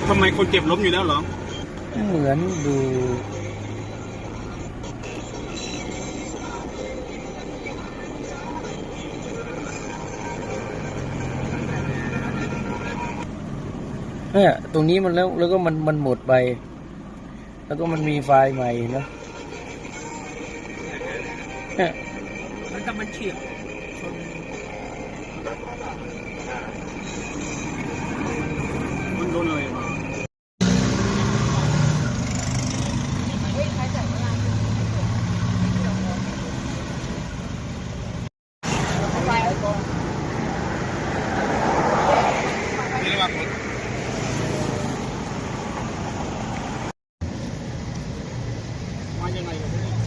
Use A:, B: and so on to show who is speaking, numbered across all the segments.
A: ทำไมคนเจ็บล้มอยู่แล้วเหรอ
B: เหมือนดูเนี่ยตรงนี้มันแล้วก็มันหมดไปแล้วก็มันมีไฟล์ใหม่นะเนี่ย
A: มันก็มันเฉียบมันโดนอะไรมายังไงกันเนี่ย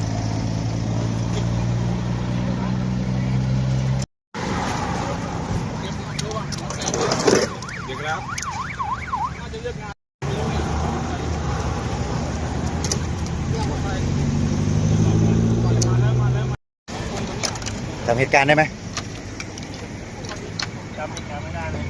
A: เดี๋ยวครับน่าจะเลือกงาน
C: จำเหตุการณ์ได้ไหม
A: จำเหตุการณ์ไม่ได้เลย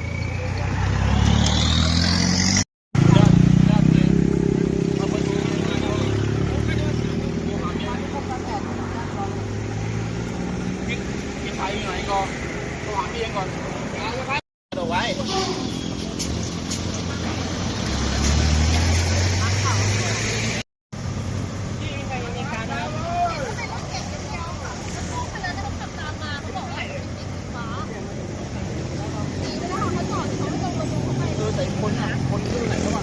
A: พี่ไทยอยู่ไหนก่อนโทรหาพี่เองก่อนเอาไว้แต่คนที่ไหนเขาบอก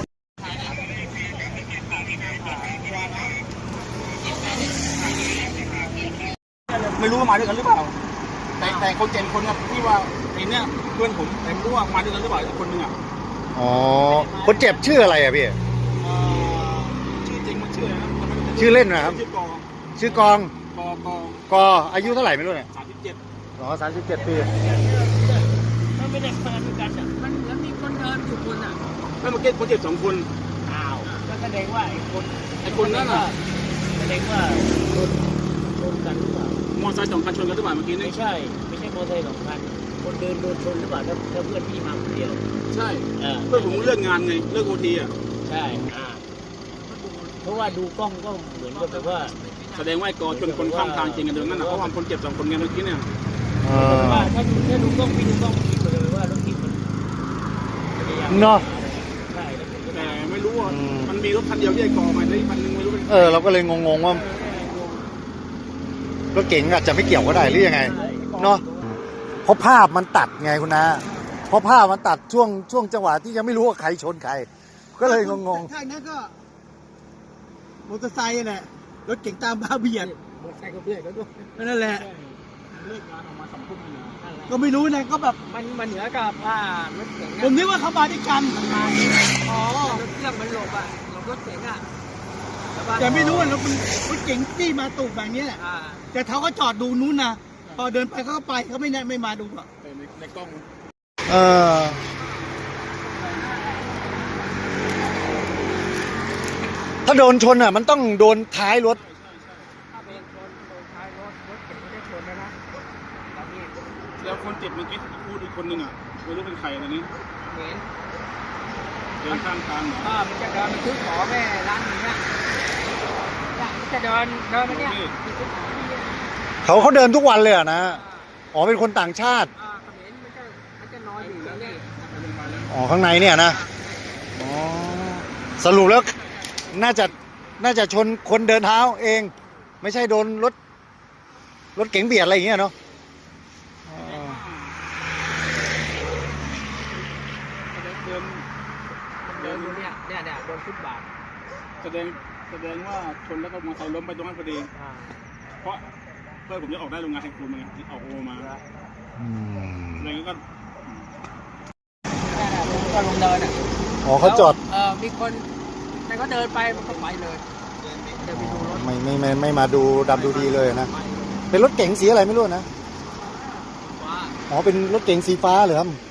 A: ไม่รู้ว่ามาด้วยกันหรือเปล่าแต่คนเจ็บคนที่ว่าไอ้เนี่ยเพื่อนผมแต่ไม่รู้ว่ามาด้วยกันหรือเปล่าคนนึงอ่ะ
C: อ๋อคนเจ็บชื่ออะไรอ่ะพี่
A: ชื่อจริงมันชื่ออะไรนะ
C: ชื่อเล่นนะครับชื่อกองกออายุเท่าไหร่ไม่รู้เนี่ย
A: 37
C: อ๋อ37 ปี
B: มันไม่ได้มาด้วยกันอ่ะมันแล้วมีคนเดินอยู่คนอ่ะ
A: แล้วเมื่อกี้คนเจ็บ2 คน
B: อ้าวก็แสดงว่าไอ้คน
A: นั่นน่ะ
B: แสดงว่าชนกันหรือเปล่าม
A: อเตอร์ไซค์2 คันชนกันหรือเปล่าเมื่อกี้นี่
B: ไม่ใช่มอเตอร์ไซค์2 คันคนเดินโดนชนหรือเปล่าถ้าเพื่อนพี่มาคนเดียว
A: ใช่เพื่อนผมเลิกงานไงเลิกโอทีอ่ะ
B: ใช่เพราะว่าดูกล้องก็เหมือนกับแบบว่า
A: แสดงว่าไอ้กอชนคนข้ามทางจริงกันเดินนั่นนะเพราะว่าคนเจ็บ2 คนไงเมื่อกี้เนี่ย
B: ว่าถ้าดูกล้องพี่ดูกล้องพี่เลยว่ารถติดมัน
C: เนาะ
B: ใช่
A: แต่ไม่รู้ว่ามันมีรถคันเดียวที่ไอ้กอมาได้คันนึงไม่รู้
C: เราก็เลยงงว่ารถเก๋งอาจจะไม่เกี่ยวก็ได้หรือยังไงเนาะเพราะภาพมันตัดไงคุณนะเพราะภาพมันตัดช่วงจังหวะที่ยังไม่รู้ว่าใครชนใครก็เลยงง
D: ใช่นั่นก็มอเตอร์ไซค์แหละรถเก๋งตามบ้าเบียด
B: มอเตอร์ไซค์ก็เบียดแล้วด้วย
D: นั่นแหละ
A: เลิกงานออกมา2 ทุ่มเลย
D: ก็ไม่รู้นะก็แบบ
B: มันเหนือกับรถเก๋ง
D: ผมนึกว่าเขามาด้วยกัน
B: อ๋อรถเครื่องมันหลบรถเก๋ง
D: แต่ไม่รู้ว่ารถเก๋งที่มาตูดแบบนี้แหละแต่เขาก็จอดดูนู้นนะพอเดินไปเขาก็ไปเขาไม่มาดูหรอก
A: ในกล้อง
C: ถ้าโดนชนอ่ะมันต้องโดนท้ายรถ
B: ถ้าเป็นชนโดนท้ายรถเก๋งไม่ได้ชนนะ
A: แล้วคนเจ็บเมื่อกี้พูดอีกคนนึงอ่ะไม่รู้เป็นใครตอนนี้
B: เหม็น
A: เดินข้างทางเหรอ
B: มันจะเดินไปซื้อของแม่ร้านนี้เนี่ยมันจะเดินมาเนี่ย
C: เขาเดินทุกวันเลยอ่ะนะอ๋อเป็นคนต่างชาติ
B: มันจะนอนอยู่แล้วเนี่ย
C: อ๋อข้างในเนี่ยนะอ๋อสรุปแล้วน่าจะชนคนเดินเท้าเองไม่ใช่โดนรถเก๋งเบียดอะไรอย่างเงี้ยเนาะ
B: เดินเนี่ยโดนฟุตบาท
A: แสดงว่าชนแล้วก็มอเตอร์ไซค์ล้มไปตรงนั้นพอดีเพราะเพื่อนผมจะออกได้โรงงานแห่งคูณมาออกโอมาอะไรก็
B: ลงเดิน
C: อ๋อเขาจอด
B: มีคนแต่ก็เดินไปมันก็ไปเลยเดินไปดูรถ
C: ไม่มาดูดำดูดีเลยนะเป็นรถเก๋งสีอะไรไม่รู้นะอ๋อเป็นรถเก๋งสีฟ้าเหรอครับ